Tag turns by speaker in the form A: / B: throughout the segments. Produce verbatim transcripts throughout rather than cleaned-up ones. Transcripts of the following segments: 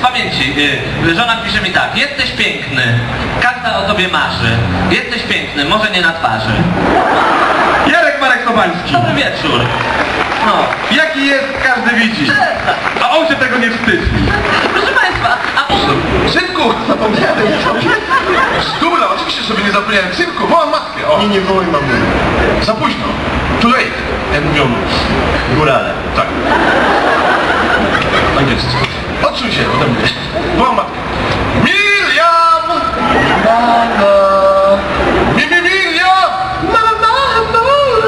A: z pamięci. Yy, żona pisze mi tak. Jesteś piękny. Każda o tobie marzy. Jesteś piękny, może nie na twarzy.
B: Jarek Marek Sobański.
A: Dobry wieczór. No.
B: Jaki jest, każdy widzi. A on się tego nie wstydzi.
A: Proszę państwa, a...
B: Synku, zapomniałem sobie. Dobra, oczywiście sobie nie zapomniałem. Synku, wołam matkę. O.
C: Nie, nie wołaj mamy.
B: Za późno. Too late. Jak mówią górale. Tak. Tak jest. Odsuń się ode mnie. Wołam matkę. Miriam! Mama! Mi, mi, Miriam! Mama, mama!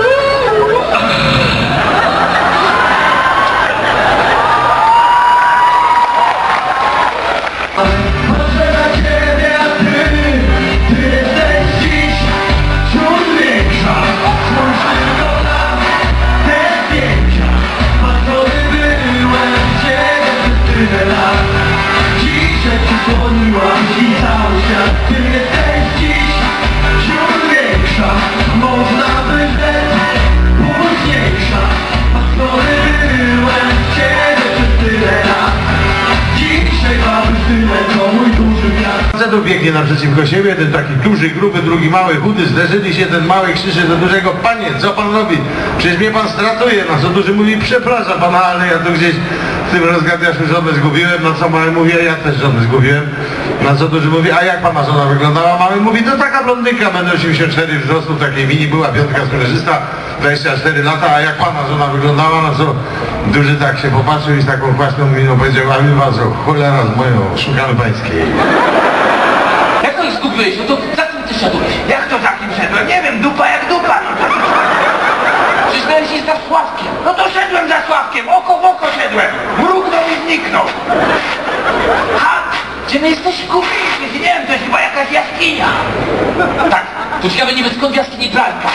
C: Patrzę na ciebie, a ty, ty jesteś dziś wśród większa. Spójrz tylko na te zdjęcia. Patrzony byłem ciebie przez tyle lat. Dzisiaj przysłoniłaś i cały świat. Ty jesteś dziś wśród większa. Można by rzec późniejsza. Patrzony byłem ciebie przez tyle lat. Dzisiaj mamy tyle, co mój duży wiatr.
D: Facetów biegnie naprzeciwko siebie, jeden taki duży, gruby, drugi mały, chudy, zderzyli się, ten mały krzyczy do dużego: panie, co pan robi? Przecież mnie pan stratuje. Na co duży mówi: przepraszam pana, ale ja tu gdzieś w tym rozgadniaszu żonę zgubiłem. Na co mały mówi: a ja też żonę zgubiłem. Na co duży mówi: a jak pana żona wyglądała? Mały mówi: to taka blondynka, będę osiemdziesiąt cztery wzrostu, takiej mini, była piątka skorzysta, dwadzieścia cztery lata, a jak pana żona wyglądała? Na co duży tak się popatrzył i z taką kwaśną miną powiedział: a my was, cholera z moją, szukamy pańskiej.
A: Jak to ich zgubiłeś? No to za kim ty szedłeś?
E: Jak to za kim szedłem? Nie wiem, dupa jak dupa, no to...
A: Przecież miałeś iść za Sławkiem.
E: No to szedłem za Sławkiem, oko w oko szedłem. Mrugnął i zniknął. Ha!
A: Gdzie my jesteśmy?
E: Kupiłeś, nie wiem, to jest chyba jakaś jaskinia.
A: Tak, to ciekawe niby skąd w jaskini pralka.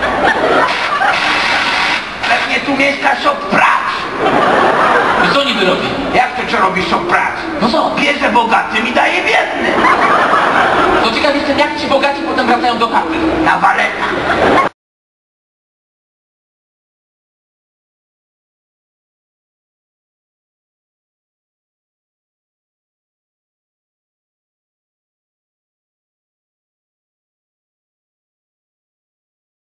E: Pewnie tu mieszka szop prac.
A: I co niby robi?
E: Jak to co robi szop prac?
A: No co?
E: Bierze bogatym i daje biednym.
A: To ciekawe jestem, jak ci bogaci potem wracają do chaty.
E: Na waletach.